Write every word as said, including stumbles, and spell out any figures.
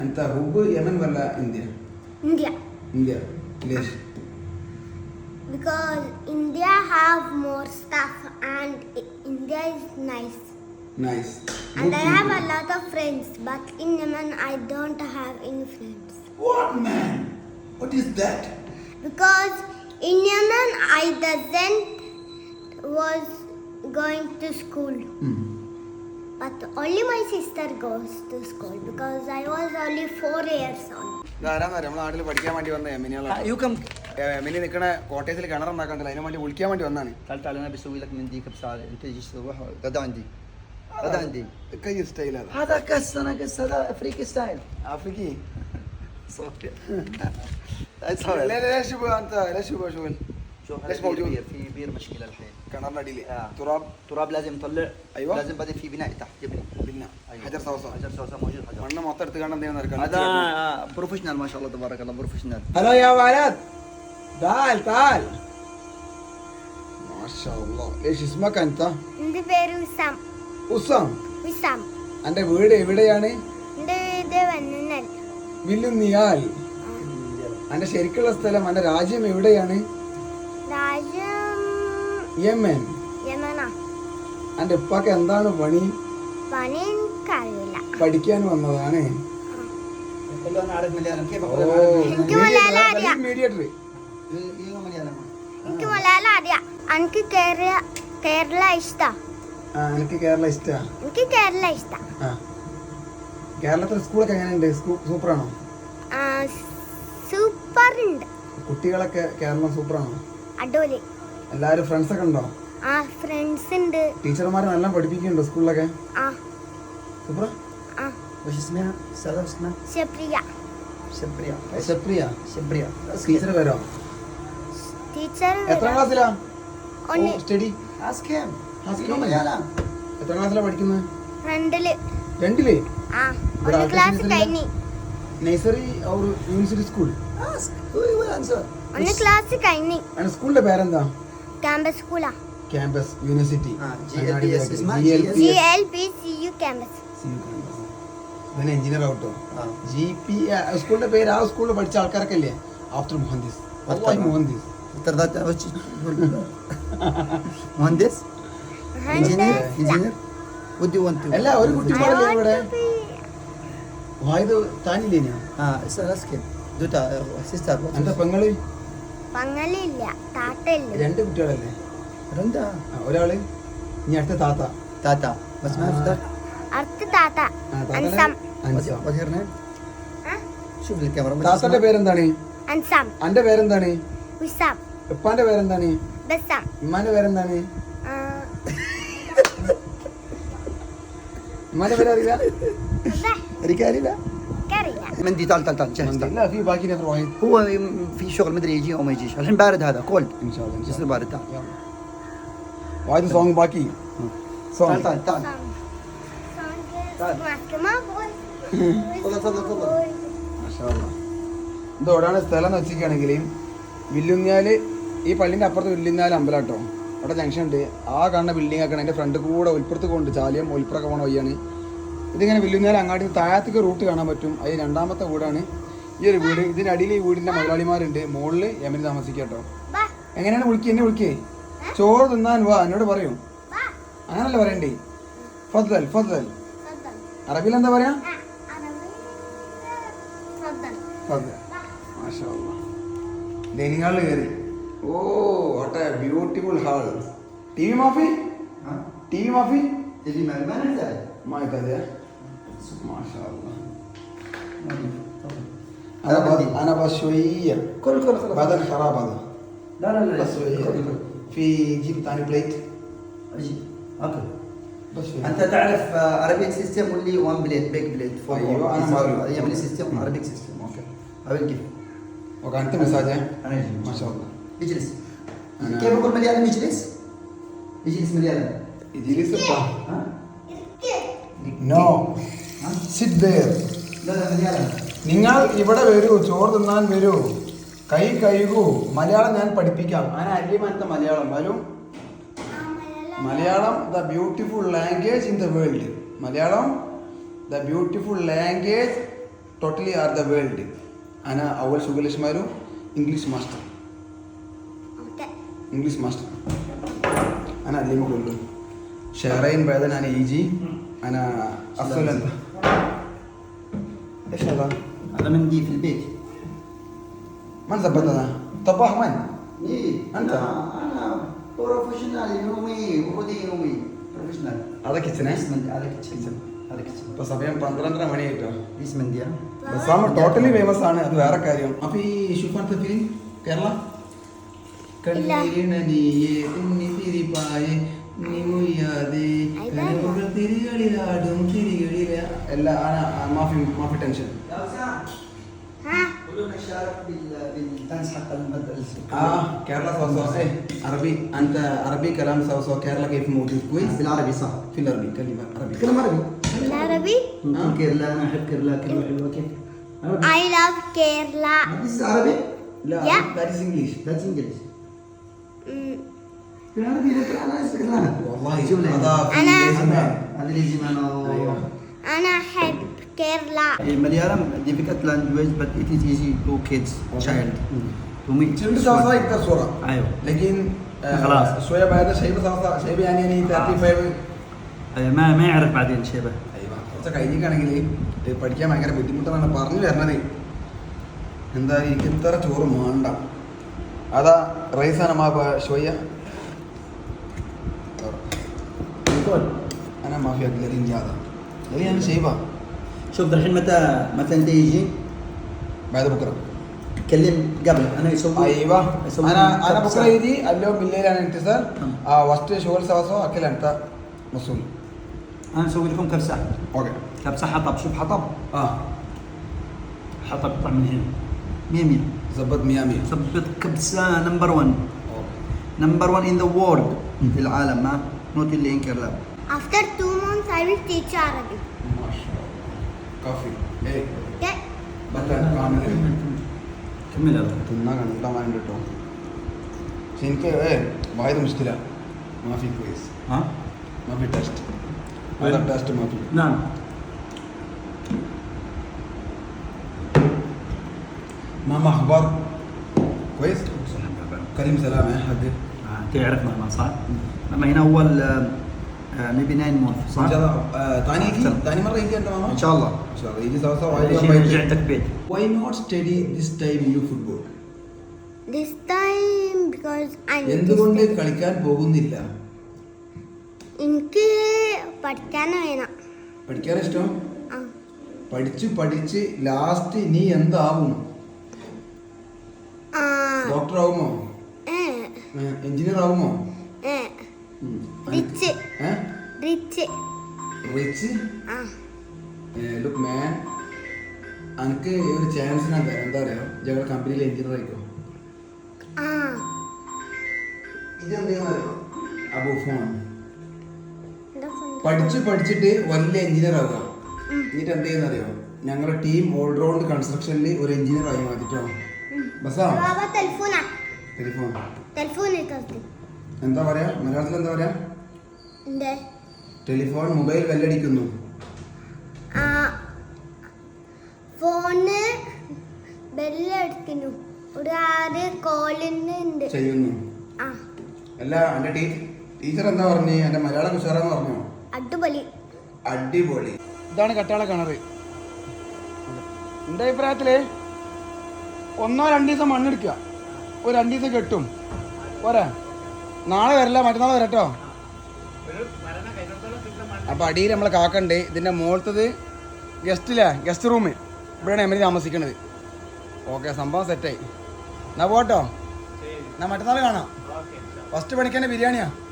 أنت حب يمن ولا إنديا؟ India. إنديا ليش؟ Because India have more stuff and India is nice. Nice. And Good I have a people. lot of friends, but in Yemen I don't have any friends. What man? What is that? Because in Yemen I doesn't was going to school. Hmm. But only my sister goes to school because I was only four years old. ഇതാരാന്നറിയാം നമ്മുടെ നാട്ടിൽ പഠിക്കാൻ വേണ്ടി വന്ന എമിനികളാണ് يو كم എമിനി നിൽക്കണ കോട്ടയത്തിൽ കിണറുണ്ടാക്കണ്ടല്ലോ അതിന് വേണ്ടി വിളിക്കാൻ വേണ്ടി വന്നാണ് تعال تعال انا بسوي لك من ديك بساعة انت تجي تروح غدا عندي غدا عندي കൈ സ്റ്റൈലാണ് هذا كاس انا كاس هذا افريقي ستايل ആഫ്രിക്കി صافي لا لا ليش يبغى انت ليش يبغى شغل شوف ليش هذا موجود؟ بير في بير مشكلة الحين കിണറിന്റെ അടിയിൽ آه. തുറാബ് تراب لازم نطلع أيوة. لازم بعدين في بناء تحت يبني പിന്നെ أيوة. ഹജർ സവസ حجر سوسة موجود حجر മണ്ണ് മൊത്തം എടുത്ത് കാണാൻ എന്തെങ്കിലും هذا آه، بروفيشنال ما شاء الله تبارك الله بروفيشنال ഹലോ യാ വാലത് تعال تعال ما شاء الله ليش اسمك انت എൻ്റെ പേര് വിസാം ഉസം വിസാം അന്റെ വീട് എവിടെയാണ് എൻ്റെ വീട് വന്നൽ വില്ലുന്നിയാൽ അന്റെ ശരിക്കുള്ള സ്ഥലം അന്റെ രാജ്യം എവിടെയാണ് രാജ്യം യമൻ യമന അന്റെ ഉപ്പാക്ക് എന്താണ് പണി പണി എനിക്കറിയില്ല പഠിക്കാൻ വന്നതാണ് قل له انا اعرف مليانه كيف ഓ اقول انا اعرف എനിക്ക് മലയാളം അറിയാം മീഡിയേറ്റർ ايوه مليانه എനിക്ക് മലയാളം അറിയാം എനിക്ക് കേരള കേരള ഇഷ്ടാ ആ എനിക്ക് കേരള ഇഷ്ടാ എനിക്ക് കേരള ഇഷ്ടാ ആ കേരളത്തിലെ സ്കൂളൊക്കെ എങ്ങനെയുണ്ട് സൂപ്പറാണോ സൂപ്പർ ഉണ്ട് കുട്ടികളൊക്കെ കേരളം സൂപ്പറാണോ അടിപൊളി എല്ലാവരും ഫ്രണ്ട്സ് ഒക്കെ ഉണ്ടോ ആ ഫ്രണ്ട്സ് ഉണ്ട് ടീച്ചർമാർ നല്ല പഠിപ്പിക്കുന്നുണ്ടോ സ്കൂളിലൊക്കെ ആ സൂപ്പറാ ആ وش اسمها؟ استاذه اسمها ശപ്രിയ شبريا സെപ്രിയ شبريا ടീച്ചർ വരോ ടീച്ചർ എത്ര ക്ലാസ്സിലാ ഒന്ന് സ്റ്റഡി اسك كم؟ اسك اسك كم؟ مليانه എത്ര ക്ലാസ്സിലാ പഠിക്കുന്നത് രണ്ടില് രണ്ടില് ആ ഇവിടെ ഒന്ന് ആർക്കും ക്ലാസ് ടീച്ചറില്ല? കഴിഞ്ഞ് നഴ്സറി ഔർ യൂണിവേഴ്സിറ്റി സ്കൂൾ اسك هو هو الانسر ഒന്ന് ക്ലാസ് കഴിഞ്ഞ് ആണ് സ്കൂളിന്റെ പേരെന്താ ക്യാമ്പസ് സ്കൂളാ ക്യാമ്പസ് യൂണിവേഴ്സിറ്റി ആ, G L P S اسمها G L P S. G L P C U campus ഇവന് എഞ്ചിനീയർ ആവട്ടോ ആ. ജി പി സ്കൂളിന്റെ പേര് ആ സ്കൂളിൽ പഠിച്ച ആൾക്കാരൊക്കെ അല്ലേ ആഫ്റ്റർ മുഹന്ദിസ് والله മുഹന്ദിസ് ترضى تعرف مهندس انجينير انجينير ودي وانت അല്ല ഒരു കുട്ടി പാടല്ലേ ഇവിടെ വായത് താനില്ലേനാ اه اسال اسكن دوتا سيستر എന്റെ പെങ്ങള് പങ്ങളില്ല താത്തയില്ല രണ്ട് കുട്ടികളല്ലേ رندا ആ, ഒരാള് ഇനി അടുത്ത താത്ത تاتا بس ما عرفت അടുത്ത താത്ത ആ, താത്തയുടെ അൻസാം അൻസാം. وات هير نيم ആ? شوف الكاميرا ما താത്തന്റെ പേരെന്താണ് അൻസാം അന്റെ പേരെന്താണ് വിസാം ഉപ്പാന്റെ പേരെന്താണ് ബസാം ഉമ്മാന്റെ പേരെന്താണ് ആ, ഉമ്മാന്റെ പേരറിയില്ല അതെ, رجالي لا എനിക്കറിയില്ല. مندي تعال تعال تعال جهز تعال. لا في باقي نفر واحد هو في شغل مدري يجي او ما يجيش الحين بارد هذا كولد ان شاء الله ان شاء يصير الله بارد تعال واحد سونग باقي سونग تعال تعال تعال Song. Song is تعال. Makema boy. تفضل تفضل تفضل ഇത് എവിടെയാണ് സ്ഥലം എന്ന് വെച്ചിരിക്കുകയാണെങ്കിൽ വില്ലുഞ്ഞാല് ഈ പള്ളിൻ്റെ അപ്പുറത്ത് വില്ലുഞ്ഞാല് അമ്പലം കേട്ടോ അവിടെ ജംഗ്ഷൻ ഉണ്ട് ആ കാണുന്ന ബിൽഡിംഗ് ഒക്കെ അതിൻ്റെ ഫ്രണ്ട് കൂടെ ഒലിപ്പുറത്ത് കൊണ്ട് ചാലിയം ഒലിപ്പുറമൊക്കെ പോകണ വഴിയാണ് ഇതിങ്ങനെ വില്ലുഞ്ഞാല് അങ്ങാടി താഴത്തേക്ക് റൂട്ട് കാണാൻ പറ്റും അത് രണ്ടാമത്തെ വീടാണ് ഈ ഒരു വീട് ഇതിനടിയിൽ ഈ വീടിൻ്റെ മുതലാളിമാരുണ്ട് മുകളിൽ യമന് താമസിക്കുക കേട്ടോ Ba. എങ്ങനെയാണ് വിളിക്കുക എന്നെ വിളിക്കേ ചോറ് തിന്നാൻ വാ എന്നോട് പറയും Ba. അങ്ങനല്ല പറയണ്ടേ ഫദ്ദൽ ഫദ്ദൽ Fadal. അറബിയിൽ എന്താ പറയാ Ah, Arabi. Fadal. ഫദ്ദൽ മാഷാ അല്ലാ ഡൈനിങ് ഹാളിൽ കയറി oh what a beautiful hall T V മാഫി ها ടി വി മാഫി تجي مع ما نحتاج ما يحتاج ما شاء الله تفضل. انا هذا بس بدي. انا بس شويه كل كل خلاص بعد الخراب هذا لا لا لا بس شويه كل كل في جيب ثاني بليت اجي اكل بس شويه انت تعرف عربيك سيستم واللي وان بليت بيج بليت فور أيوة، أنا ما أعرف. يمني سيستم عربيك سيستم اوكي اول كيف وكانت مساج انا اجي ما شاء الله اجلس أنا- كيف اقول مليانه يجلس؟ يجلس مليانه يجي سبا ها؟ നോ ها؟ സിറ്റ് ദേർ لا لا مليانه നിങ്ങൾ ഇവിടെ വരൂ ചോറ് തിന്നാൻ വരൂ കൈ കഴുകൂ മലയാളം ഞാൻ പഠിപ്പിക്കാം ഞാൻ അരിമനത്തെ മലയാളം വരും Malayalam the beautiful language in the world Malayalam the beautiful language totally are the world. أنا أول شغل اسمه English master. Okay. English master. أنا أعلمه كله. شهرين بعدين أنا يجي أنا أصلا. إيش هذا؟ هذا مندي في البيت. من ظبط هذا؟ طباخ من؟ إيه أنت؟ أنا بروفيشنال يومي وخذي يومي بروفيشنال. هذا كيتشن اسم هذا كيتشن هذا كيتشن. ഇപ്പോൾ സമയം പന്ത്രണ്ടര മണിയായിട്ടോ. اسم مندي. ബസാമ ടോട്ടലി ഫേമസ് ആണ്, അത് വേറെ കാര്യം. അപ്പൊ ഈ ഷുഫാൻ ഫിലിം കേരള കണ്ണീരിണ നീയേ തുന്നി തിരിപ്പായേ നീ മുയ്യാതെ കനവുകൾ തിരികളിലാടും തിരികളില എല്ലാ മാഫി മാഫി tension. ها كلنا نشارك بالدانس حتى المدرسة. اه كيرلا سو سو ايه عربي انت عربي كلام سو سو كيرلا كيف موجود كويس بالعربي صح. في العربي كلمه عربي تكلم عربي. بالعربي. نقول كيرلا انا احب كيرلا كلمة حلوة كيف؟ عربي. I love Kerala. This is Arabic. لا Yeah. that is English. That's English. أمم. بالعربي لكن انا استغلال. والله شوف لي. هذا في أنا- لازم هذا اللي يجي معنا. ايوه أنا أحب كيرلا. Malayalam difficult language but it is easy to kids child to me. تشيل صوصه يقدر صوره ايوه لكن آه، خلاص. شويه بعد شيء صوصه شيء يعني يعني ثلاثين خمسين. أيوة، ما ما يعرف بعدين شيبه. അയ്യോ കുറച്ച് കഴിഞ്ഞിട്ടാണെങ്കിൽ പഠിക്കാൻ ഭയങ്കര ബുദ്ധിമുട്ടാണ് പറഞ്ഞു വരണത്. എന്താ എനിക്ക് ഇത്ര ചോറ് വേണ്ട. അതാ റൈസാണ് മാ ഷോയ്യ نقول انا ما في اقدر انجازا ليه انا شايفها شوف الحين متى متى انت يجي بعد بكره. كلم قبل انا يسوي ايوه يسوي انا انا كبسة. بكره يجي اليوم بالليل انا انتصار تمام. اه وسط شغل سوا سوا اكل انت مسؤول. انا اسوي لكم كبسه اوكي كبسه حطب. شوف حطب اه حطب يطلع من هنا مية مية. ظبط مية مية. ثبت كبسه نمبر واحد نمبر واحد in the world في العالم ما نوت اللي انكر لا. After two months, I will teach Arabic. ما شاء الله كافي ايه Okay. بطل كامل كمل هذا. തിന്നാ കണ്ടാൻ കേട്ടോ. പക്ഷെ എനിക്ക് ഏ വായത് മുഷ്കില മാഫി ക്വീസ് ها മാഫി ടെസ്റ്റ് هذا टेस्ट മാഫി. نعم. ماما اخبار كويس كريم سلام يا حق آه، تعرف مهما صح؟ لما هنا اول ميبي ناين مونث صح؟ ان شاء الله آه، ثاني يجي أحسن. ثاني مره يجي انت ماما ان شاء الله. ان شاء الله يجي سوا سوا هذا شيء رجعتك بيت. why not study this time new football This time because I need to എന്തുകൊണ്ട് study. കളിക്കാൻ പോകുന്നില്ല? എനിക്ക് പഠിക്കാൻ വേണം. പഠിക്കാൻ ഇഷ്ടം? ആ. പഠിച്ച് പഠിച്ച് ലാസ്റ്റ് നീ എന്താവും? ആ. ഡോക്ടർ ആവുമോ? ഏ. എഞ്ചിനീയർ ആവുമോ? ഏ. റിച്ച്. റിച്ച്. റിച്ച് ആ. ലുക്ക് മാൻ എനിക്ക് ഒരു ചാൻസിനാ തരാം. എന്താ അറിയോ, ഞങ്ങളുടെ കമ്പനിയിൽ എഞ്ചിനീയർ ആയിക്കോ. ആ. ഇതെന്താണെന്നറിയോ അബു ഫോൺ എന്താ phone? പഠിച്ച് പഠിച്ചിട്ട് വലിയ എഞ്ചിനീയർ ആവുക. ഉം. എന്നിട്ട് എന്ത് ചെയ്യുന്നറിയോ, ഞങ്ങളുടെ ടീം ഓൾറൗണ്ട് കൺസ്ട്രക്ഷനിൽ ഒരു എഞ്ചിനീയർ ആയി മാറ്റിട്ടോ. ബസാ ബാബാ ടെലിഫോണാ. ടെലിഫോൺ ടെലിഫോൺ എടുത്ത്. എന്താ പറയാ മലയാളത്തിൽ എന്താ പറയാ? എന്തേ? ടെലിഫോൺ മൊബൈൽ ബെല്ലടിക്കുന്നു. ആ. ഫോണ് ബെല്ലടിക്കുന്നു. ഒരു ആറ് കോളിന് ഉണ്ട്. ചെയ്യുന്നു. ആ. അല്ല എൻ്റെ ടീ ടീച്ചർ എന്താ പറഞ്ഞു? എൻ്റെ മലയാളം ഉഷാറാന്ന് പറഞ്ഞോ? അടിപൊളി. അടിപൊളി. ഇതാണ് കട്ടാള കിണറ്. എൻ്റെ അഭിപ്രായത്തില് ഒന്നോ രണ്ടു ദിവസം മണ്ണെടുക്കുക, ഒരു രണ്ടു ദിവസം കെട്ടും പോരാ. നാളെ വരില്ല, മറ്റന്നാൾ വരട്ടോ. അപ്പൊ അടിയിൽ നമ്മളെ കാക്കണ്ട്. ഇതിന്റെ മുകളത്തത് ഗസ്റ്റില്ലേ, ഗസ്റ്റ് റൂം. ഇവിടെയാണ് എമ്മി താമസിക്കണത്. ഓക്കെ, സംഭവം സെറ്റായി. എന്നാ പോട്ടോ, എന്നാ മറ്റന്നാൾ കാണാം. ഫസ്റ്റ് പണിക്കന്നെ ബിരിയാണിയാ.